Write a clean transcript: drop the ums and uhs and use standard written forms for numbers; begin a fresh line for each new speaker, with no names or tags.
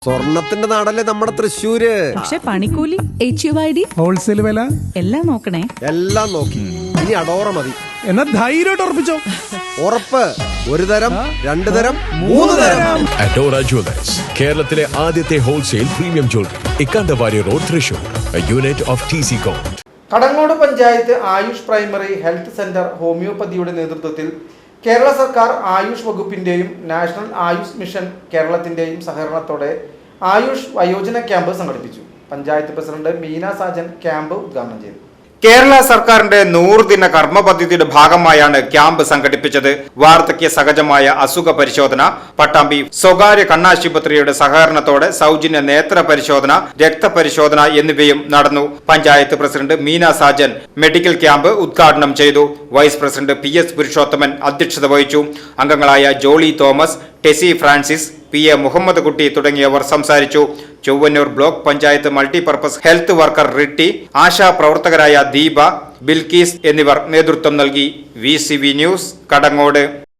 സ്വർണത്തിന്റെ നാടല്ലേ നമ്മുടെ തൃശ്ശൂര്.
പക്ഷെ പണിക്കൂലി, HUID,
ഹോൾസെയിൽ വില
എല്ലാം നോക്കണേ.
എല്ലാം നോക്കി. ഇനി അടോറ മതി.
എന്നാ ധൈര്യമായിട്ട് ഉറപ്പിച്ചോ.
ഉറപ്പ്. ഒരു തരം, രണ്ടു തരം, മൂന്ന് തരം.
അഡോറ ജ്വല്ലേഴ്സ്, കേരളത്തിലെ ആദ്യത്തെ wholesale premium jewellery, Ikkandavari road, Thrissur. Unit of TC Gold.
Kadangode panchayat Ayush primary health centre ഹോമിയോപ്പതിയുടെ നേതൃത്വത്തിൽ കേരള സർക്കാർ ആയുഷ് വകുപ്പിന്റെയും നാഷണൽ ആയുഷ് മിഷൻ കേരളത്തിന്റെയും സഹകരണത്തോടെ ആയുഷ് വയോജന ക്യാമ്പ് സംഘടിപ്പിച്ചു. പഞ്ചായത്ത് പ്രസിഡന്റ് മീന സാജൻ ക്യാമ്പ് ഉദ്ഘാടനം ചെയ്തു.
കേരള സർക്കാരിന്റെ 100 ദിന കർമ്മ പദ്ധതിയുടെ ഭാഗമായാണ് ക്യാമ്പ് സംഘടിപ്പിച്ചത്. വാർദ്ധക്യ സഹജമായ അസുഖ പരിശോധന, പട്ടാമ്പി സ്വകാര്യ കണ്ണാശുപത്രിയുടെ സഹകരണത്തോടെ സൗജന്യ നേത്ര പരിശോധന, രക്തപരിശോധന എന്നിവയും നടന്നു. Panchayat president Meena Sajan medical camp ഉദ്ഘാടനം ചെയ്തു. വൈസ് പ്രസിഡന്റ് PS പുരുഷോത്തമൻ അധ്യക്ഷത വഹിച്ചു. അംഗങ്ങളായ Jolly Thomas, Tessy Francis, PA Muhammad Kutty തുടങ്ങിയവർ സംസാരിച്ചു. Chowwannur block panchayat multipurpose health worker Ritty, Asha പ്രവർത്തകരായ ദീപ, ബിൽക്കീസ് എന്നിവർ നേതൃത്വം നൽകി. VCV news, Kadangode.